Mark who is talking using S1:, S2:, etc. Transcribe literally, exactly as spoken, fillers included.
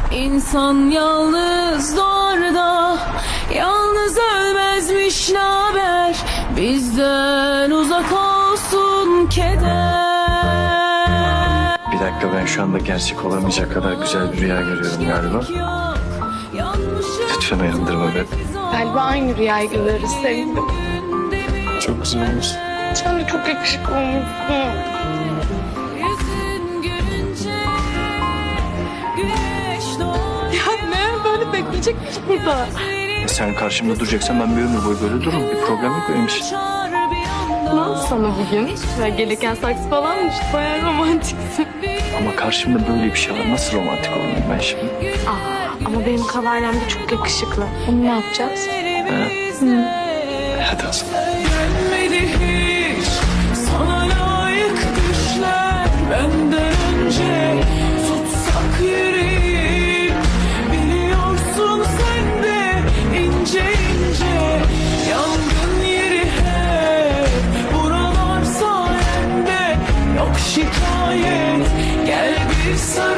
S1: İnsan yalnız doğar da yalnız ölmezmiş, naber bizden uzak olsun keder.
S2: Bir dakika, ben şu anda gerçek olamayacak kadar güzel bir rüya görüyorum galiba. Lütfen uyandırma beni.
S3: Galiba aynı rüyayı görüyoruz sevgilim.
S2: Çok güzel olmuş.
S3: Sen de çok yakışıklı olmuşsun.
S1: Yüzün gülünce güneş doğar.
S3: Ya ne böyle bekleyecekmiş burada.
S2: Sen karşımda duracaksan ben bir ömür boyu böyle dururum. Bir problem yok benim için.
S3: Ne oldu sana bugün? Ya gelirken saksı falan mı? Bayağı romantiksin.
S2: Ama karşımda böyle bir şey var. Nasıl romantik olayım ben şimdi?
S3: Aa, ama benim kavalyem de çok yakışıklı. Onu ne yapacağız?
S2: Hadi o zaman.
S1: Gelmedi hiç sana layık düşler benden önce. Tutsak yüreğim, biliyorsun sen de ince ince. Yangın yeri hep buralar sayende. Yok şikayet, gel bir sen.